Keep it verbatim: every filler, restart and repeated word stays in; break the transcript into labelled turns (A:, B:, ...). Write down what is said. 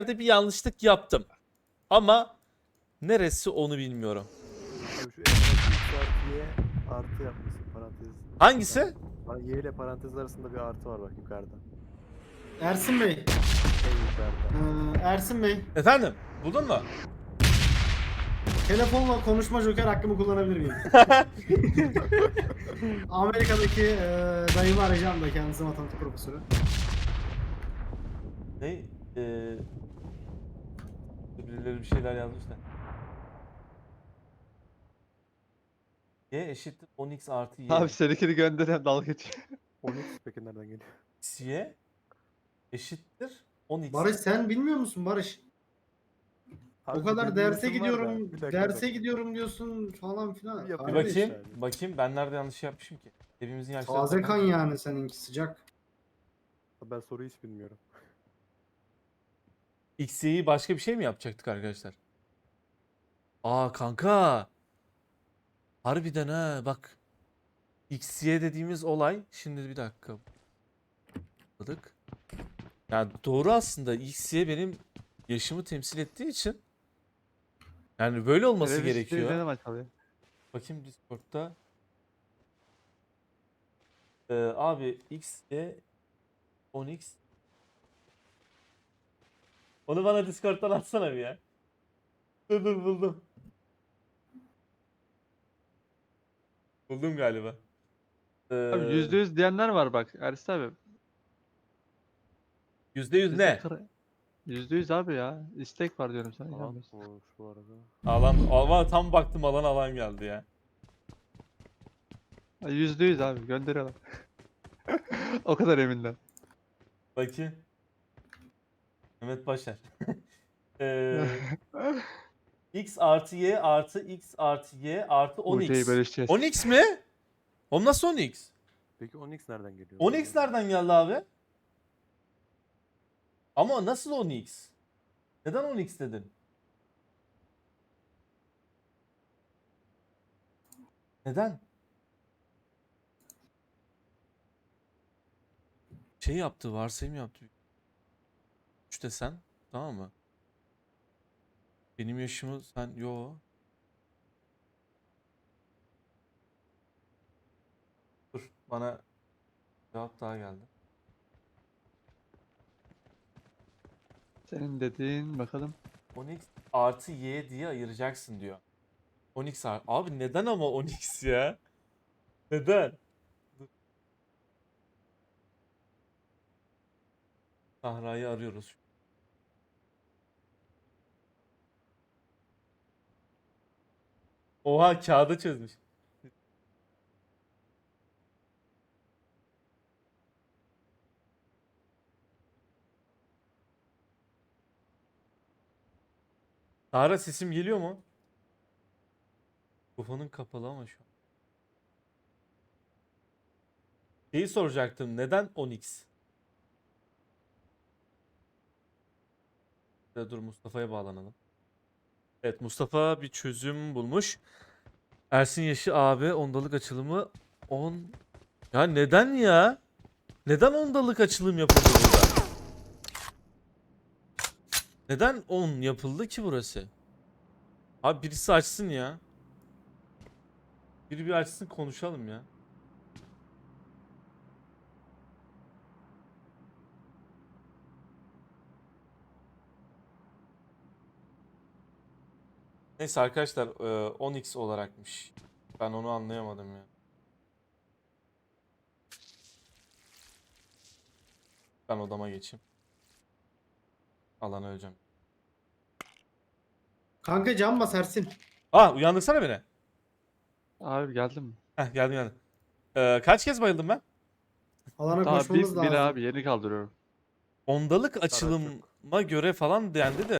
A: bir yanlışlık yaptım. Ama neresi onu bilmiyorum.
B: Abi şu en artı y artı yapmışsın parantez.
A: Hangisi?
B: Bana y ile parantez arasında bir artı var bak yukarıda.
C: Ersin Bey.
B: En yukarıda.
C: Ee, Ersin Bey.
A: Efendim? Buldun mu?
C: Telefonla konuşma joker hakkımı kullanabilir miyim? Amerika'daki e, dayımı arayacağım da, kendisi matematik profesörü.
A: Ne? Ee, birileri bir şeyler yazmış da. Y eşittir on x artı y.
D: Abi seninkini gönderen dalga geçiyor.
B: on x peki nereden geliyor?
A: X, y eşittir on x.
C: Barış, sen bilmiyor musun Barış?
B: Abi
C: O
B: bir
C: kadar
B: benim
C: derse
B: yazım var da,
C: gidiyorum,
B: bir dakika, bir
C: derse
B: dakika.
C: gidiyorum diyorsun falan filan.
B: Bir
A: Bir
B: Kardeş
A: bakayım.
B: yani.
A: Bakayım ben nerede yanlış yapmışım ki? Evimizin yaşları.
C: Taze kan yani seninki, sıcak.
B: Ben soruyu hiç bilmiyorum.
A: X, y'yi başka bir şey mi yapacaktık arkadaşlar? Aa kanka. Harbiden ha bak. X, y dediğimiz olay. Şimdi bir dakika. Balık. Yani doğru aslında. X, y benim yaşımı temsil ettiği için. Yani böyle olması
D: Televizyonu
A: gerekiyor.
D: Ne zaman çalıyor?
A: Bakayım Discord'da. Ee, abi X, Y, on x. Onu bana Discord'dan atsana bir ya. Dur dur buldum. Buldum galiba. Ee,
D: Abi yüzde yüz diyenler var bak Ersin abi.
A: yüzde yüz
D: Bizde
A: ne?
D: kır- Yüzde yüz abi ya. İstek var diyorum sana.
B: Alan
D: inanmıyorsun.
B: bu şu arada.
A: Alan, alan tam baktım alan alan geldi ya.
D: Ay, Yüzde yüz abi gönderiyorlar. O kadar eminler.
A: Bakayım. Mehmet Başar. Ee, X artı Y artı X artı Y artı on
D: Uğur'u
A: x.
D: bölüşeceğiz.
A: on x mi? Oğlum nasıl on x?
B: Peki on x nereden geliyor?
A: on x nereden geldi abi? Ama nasıl on x? Neden on x dedin? Neden? Şey yaptı, varsayım yaptı. üç desen, tamam mı? Benim yaşımı sen, yo. Dur, bana cevap daha geldi.
D: Senin dediğin bakalım.
A: on x artı y diye ayıracaksın diyor. on x artı... Abi neden ama on x ya? Neden? Dur. Sahra'yı arıyoruz. Oha kağıda çözmüş. Sahra sesim geliyor mu? Mikrofonun kapalı ama şu an. Şeyi soracaktım. Neden on x? Ya dur Mustafa'ya bağlanalım. Evet Mustafa bir çözüm bulmuş. Ersin yaşı abi ondalık açılımı on. Ya neden ya? Neden ondalık açılım yapıldı burada? Neden on yapıldı ki burası? Abi birisi açsın ya. Biri bir açsın konuşalım ya. Neyse arkadaşlar e, on x olarakmış. Ben onu anlayamadım ya. Ben odama geçeyim. Alana öleceğim.
C: Kanka can bas Ersin.
A: Aa uyandırsana beni.
D: Abi geldim mi?
A: Heh geldim geldim. Ee, kaç kez bayıldım ben?
C: Alana
D: Daha
C: koşmamız
D: bir,
C: lazım.
D: bir abi yeni kaldırıyorum.
A: Ondalık
B: yok.
A: açılıma göre falan dendi de.